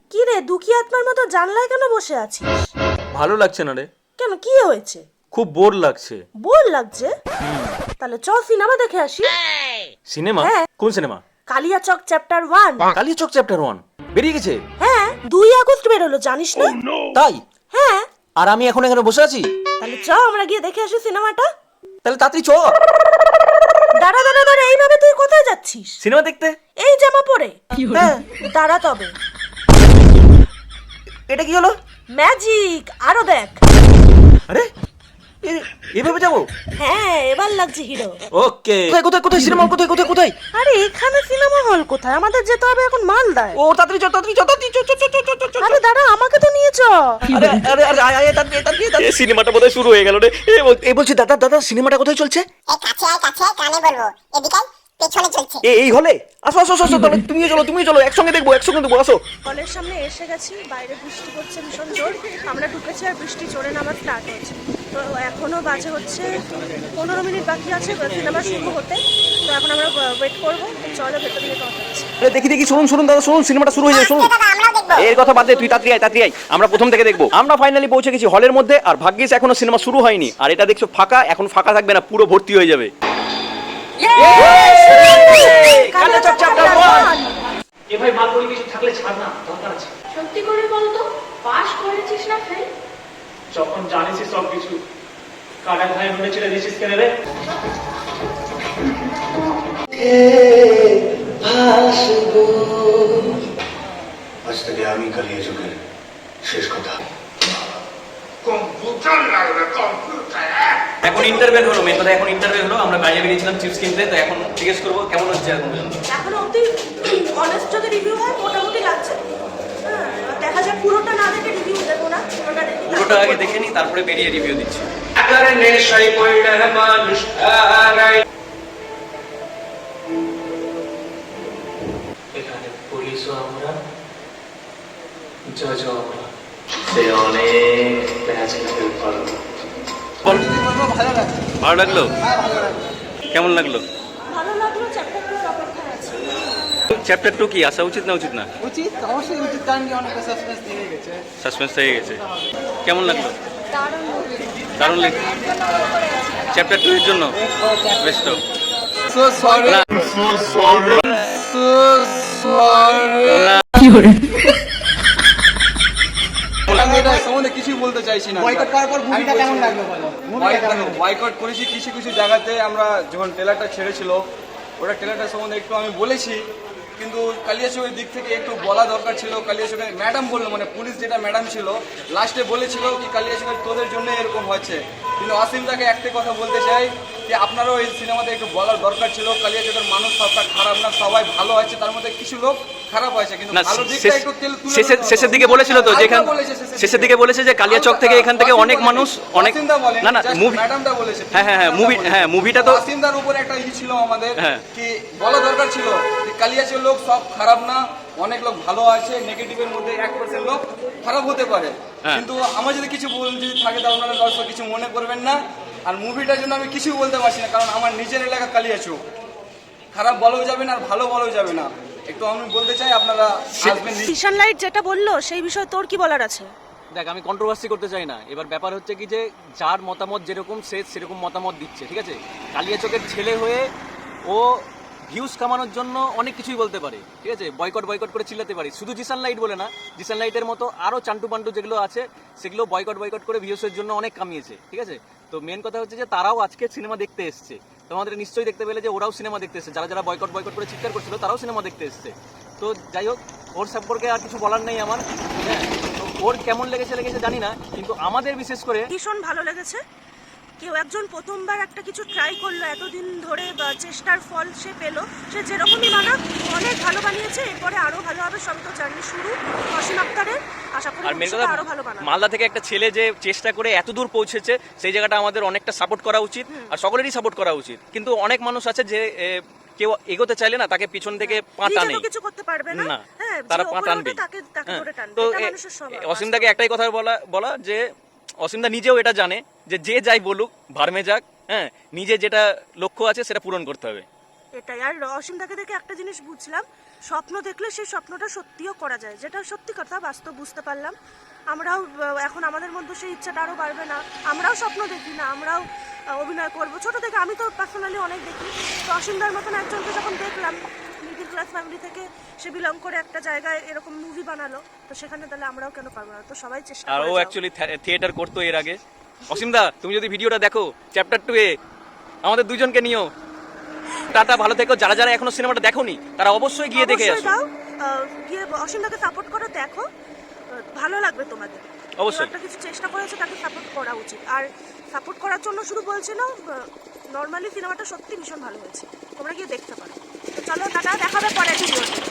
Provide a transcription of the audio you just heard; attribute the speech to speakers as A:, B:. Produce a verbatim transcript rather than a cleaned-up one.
A: কি রে, দুঃখী আত্মার মতো জানলায় কেন বসে আছিস?
B: ভালো লাগছে না রে।
A: কেন, কি হয়েছে?
B: খুব বোর লাগছে।
A: বোর লাগছে? তাহলে চল সিনেমা দেখে আসি।
B: সিনেমা?
A: হ্যাঁ।
B: কোন cinema?
A: Kaliachak chapter one.
B: Kaliachak chapter one বেরিয়ে গেছে?
A: হ্যাঁ, দুই আগস্ট বেরোলো, জানিস না?
B: তাই?
A: হ্যাঁ।
B: আর আমি এখন এখানে বসে আছি?
A: তাহলে চ আমরা গিয়ে দেখে আসি সিনেমাটা।
B: তাহলে তাড়াতাড়ি চ।
A: দাঁড়া দাঁড়া দাঁড়া, এইভাবে তুই কোথায় যাচ্ছিস?
B: সিনেমা দেখতে।
A: এই জামা পরে?
B: হ্যাঁ।
A: দাঁড়া তবে।
B: এটা কি হলো?
A: ম্যাজিক, আরো দেখ।
B: আরে এ- এভাবে যাবো?
A: হ্যাঁ, এবার লাগছে হিরো।
B: ওকে। কোথায় কোথায় কোথায় সিনেমা কোথায় কোথায় কোথায়?
A: আরে এখানে সিনেমা হল কোথায়? আমাদের যেতে হবে এখন মালদায়।
B: ও তাড়াতাড়ি চ তাড়াতাড়ি চ তাড়াতাড়ি চ চ চ চ চ চ।
A: আরে দাঁড়া, আমাকে তো নিয়ে চ।
B: আরে আরে আরে আয় আয় তাড়াতাড়ি তাড়াতাড়ি তাড়াতাড়ি। সিনেমাটা বোধহয় শুরু হয়ে গেল রে। এ বল- এ বলছি দাদা দাদা সিনেমাটা কোথায় চলছে?
C: এই কাছে আয় কাছে আয় কানে বলবো এদিকে আয়, পেছনে চলছে।
B: এ এই হলে? আসো আসো আসো আসো, তাহলে তুমিও চলো তুমিও চলো, একসঙ্গে দেখবো একসঙ্গে দেখবো, আসো।
A: হলের সামনে এসে গেছি, বাইরে বৃষ্টি পড়ছে ভীষণ জোর। আমরা ঢুকেছি আর বৃষ্টি জোরে নামা স্টার্ট হচ্ছে। তো এখনো বাজে হচ্ছে পনেরো মিনিট বাকি আছে সিনেমা শুরু হতে। তো এখন আমরা ওয়েট করবো। চলো ভেতর দিকে কথা হচ্ছে।
B: আরে দেখি দেখি, শুনুন শুনুন দাদা, শুনুন সিনেমাটা শুরু হয়ে যায়, শুনুন।
C: দাদা আমরাও দেখবো।
B: এর কথা বাদ দে, তুই তাড়াতাড়ি আয় তাড়াতাড়ি আয়, আমরা প্রথম থেকে দেখবো। আমরা ফাইনালি পৌঁছে গেছি হলের মধ্যে, আর ভাগ্যিস এখনো সিনেমা শুরু হয়নি। আর এটা দেখছো ফাঁকা, এখন ফাঁকা থাকবে না, পুরো ভর্তি হয়ে যাবে। Kaliachak chapter one.
D: এ ভাই মাল পরি কিছু থাকলে ছাড় না, দরকার আছে।
E: সত্যি করে বলো তো, পাস করেছিস না ফেল?
D: যখন জানিসই সব কিছু, কাটা খায় নুনে ছেড়ে দিয়েছিস কেন রে?
F: আজ থেকে আমি কালিয়াচকের শেষ কথা।
B: এখন ইন্টারভেল হলো, মেন কথা এখন ইন্টারভেল হলো। আমরা বাইরে বেরিয়েছিলাম চিপস কিনতে, তো এখন জিজ্ঞেস করবো কেমন হচ্ছে এখন পর্যন্ত।
A: এখনো অব্দি অনেস্ট যদি রিভিউ হয় মোটামুটি লাগছে। হ্যাঁ, এবার দেখা যাক, পুরোটা না দেখে রিভিউ দেবো না, পুরোটা দেখি।
B: পুরোটা আগে দেখে নি, তারপরে বেরিয়ে রিভিউ দিচ্ছি।
D: এখানে পুলিশও আমরা, জজও আমরা, সে অনেক ম্যাজিক্যাল পারবো।
B: ভালো লাগলো? কেমন লাগলো?
A: ভালো লাগলো, চ্যাপ্টার টু অপেক্ষায় আছে।
B: চ্যাপ্টার টু কি আসা উচিত না উচিত না?
G: উচিত, অবশ্যই উচিত, কারণ কি অনেকটা সাসপেন্স দিয়ে গেছে।
B: সাসপেন্স হয়ে গেছে। কেমন লাগলো?
E: দারুণ মুভি।
B: দারুণ লেগে চ্যাপ্টার টু এর জন্য best.
G: So sorry so sorry so sorry আমি এটা সম্বন্ধে কিছুই বলতে চাইছি না। বয়কট করার পর মুভিটা কেমন লাগলো বলো? বয়কট করেছি কিছু কিছু জায়গাতে। আমরা যখন ট্রেলারটা ছেড়েছিল, ওটা ট্রেলারটা সম্বন্ধে একটু আমি বলেছি, কিন্তু কালিয়াচকের দিক থেকে একটু বলা দরকার ছিল। কালিয়াচকের ম্যাডাম বললো, মানে পুলিশ যেটা ম্যাডাম ছিল, লাস্টে বলেছিল কি কালিয়াচকের তোদের জন্য এরকম হচ্ছে। কিন্তু অসীমদাকে একটা কথা বলতে চাই যে আপনারাও এই সিনেমাতে একটু বলার দরকার ছিল, কালিয়াচকের মানুষ সবটা খারাপ না, সবাই ভালো আছে, তার মধ্যে কিছু লোক খারাপ হয়েছে, কিন্তু
B: না,
G: ভালো দিকটা
B: শেষ-
G: একটু তেল- তুলে
B: শেষের
G: ধরতে
B: শেষের
G: হবে।
B: দিকে বলেছিল তো,
G: হালকা
B: যেখান
G: বলেছে শেষের
B: শেষের
G: দিকে।
B: দিকে বলেছে যে কালিয়াচক থেকে এখান থেকে
G: অসীম
B: অনেক
G: বলেছে,
B: মানুষ অনেক
G: অসীমদা বলেনি,
B: না না
G: just
B: মুভি
G: ম্যাডামটা বলেছে।
B: হ্যাঁ হ্যাঁ হ্যাঁ মুভি
G: ম্যাডামটা
B: হ্যাঁ
G: বলেছে।
B: মুভিটা তো
G: অসীমদার উপর একটা ই ছিল আমাদের,
B: হ্যাঁ।
G: কি বলা দরকার ছিল যে কালিয়াচকের লোক সব খারাপ না, অনেক লোক ভালো আছে, নেগেটিভের মধ্যে এক পার্সেন্ট লোক খারাপ হতে পারে।
B: হ্যাঁ।
G: কিন্তু আমার যদি কিছু ভুল যদি থাকে তাহলে আপনারা দর্শক কিছু মনে করবেন না। আর মুভিটার জন্য আমি কিছু বলতে পারছি না, কারণ আমার নিজের এলাকা কালিয়াচক, খারাপ বলেও যাবে না আর ভালো বলেও যাবে না। একটু আমি বলতে চাই আপনারা আসবেন।
A: কিষান লাইট যেটা বললো সেই বিষয়ে তোর কি বলার আছে?
H: দেখ, আমি কন্ট্রোভার্সি করতে চাই না। এবার ব্যাপার হচ্ছে কি যে যার মতামত যেরকম সে সেরকম মতামত দিচ্ছে, ঠিক আছে? কালিয়াচকের ছেলে হয়ে ও ভিউজ কামানোর জন্য অনেক কিছুই বলতে পারে, ঠিক আছে? বয়কট বয়কট করে চিল্লাতে পারি, শুধু জিসান লাইট বলে না, জিসান লাইটের মতো আরও চান্টু পান্টু যেগুলো আছে সেগুলো বয়কট বয়কট করে ভিউসের জন্য অনেক কামিয়েছে, ঠিক আছে? তো মেন কথা হচ্ছে যে তারাও আজকে সিনেমা দেখতে এসছে। তোমাদের নিশ্চয়ই দেখতে পেলে যে ওরাও সিনেমা দেখতে এসছে, যারা যারা বয়কট বয়কট করে চিৎকার করছিল তারাও সিনেমা দেখতে এসছে। তো যাই হোক, ওর সম্পর্কে আর কিছু বলার নেই আমার। হ্যাঁ, তো ওর কেমন লেগেছে লেগেছে জানি না, কিন্তু আমাদের বিশেষ করে
A: ভীষণ ভালো লেগেছে। কেউ একজন প্রথমবার একটা কিছু ট্রাই করলো, এতদিন ধরে বা চেষ্টার ফল সে পেলো, সে যেরকমই বানাক অনেক ভালো বানিয়েছে। এরপরে আরো ভালো হবে, সব তো জার্নি শুরু অসীম আক্তারের। আশা করি
H: আর মেন
A: ভবিষ্যতে
H: কথা
A: আরো ভালো বানাবে।
H: মালদা থেকে একটা ছেলে যে চেষ্টা করে এত দূর পৌঁছেছে, সেই জায়গাটা আমাদের অনেকটা সাপোর্ট করা উচিত, আর সকলেরই সাপোর্ট করা উচিত। কিন্তু অনেক মানুষ আছে যে এ, কেউ এগোতে চাইলে না, তাকে পিছন থেকে পা
A: নিজে
H: টানে
A: তো কিছু করতে পারবে না।
H: না,
A: হ্যাঁ,
H: তারা
A: যে
H: পা
A: ওপরে
H: টানবে।
A: ওঠে তাকে তাকে ধরে টানবে।
H: তো
A: এটা
H: এ-
A: মানুষের স্বভাব।
H: অসীমদাকে একটাই কথা বলা বলা যে অসীমদা নিজেও এটা জানে যে যে যাই বলুক ভার্মে যাক, হ্যাঁ, নিজে যেটা লক্ষ্য আছে সেটা পূরণ করতে হবে।
A: এটাই। আর অসীমদাকে দেখে একটা জিনিস বুঝলাম, স্বপ্ন দেখলে সেই স্বপ্নটা সত্যিও করা যায়, যেটা সত্যি কথা, বাস্তব বুঝতে পারলাম। আমরাও আহ, এখন আমাদের মধ্যে সেই ইচ্ছাটা আরও বাড়বে না, আমরাও স্বপ্ন দেখি না, আমরাও আহ, অভিনয় করবো। ছোটো থেকে আমি তো পার্সোনালি অনেক দেখি, তো অসীমদার মতন একজনকে যখন দেখলাম মিডিল ক্লাস ফ্যামিলি থেকে সে বিলং করে একটা জায়গায় এরকম মুভি বানালো, তো সেখানে তাহলে আমরাও কেন পারবো না? তো সবাই চেষ্টা
H: আর
A: করে
H: ও
A: যাও।
H: অ্যাকচুয়ালি থিয়েটার করতো এর আগে। অসীমদা, তুমি যদি ভিডিওটা দেখো চ্যাপ্টার টু এ আমাদের দুজনকে নিও। টাটা, ভালো থেকো। যারা যারা এখনো সিনেমাটা দেখোনি তারা অবশ্যই গিয়ে দেখে
A: অবশ্যই
H: আসো।
A: দাও, আহ, গিয়ে অসীমদাকে সাপোর্ট করো, দেখো, আহ, ভালো লাগবে তোমাদের।
H: অবশ্যই।
A: কেউ একটা কিছু চেষ্টা করেছে, তাকে সাপোর্ট করা উচিত। আর সাপোর্ট করার জন্য শুধু বলছি না, নর্মালি সিনেমাটা সত্যি ভীষণ ভালো হয়েছে, তোমরা গিয়ে দেখতে পারো। তো চলো, টাটা, দেখাবে পরে ভিডিওতে।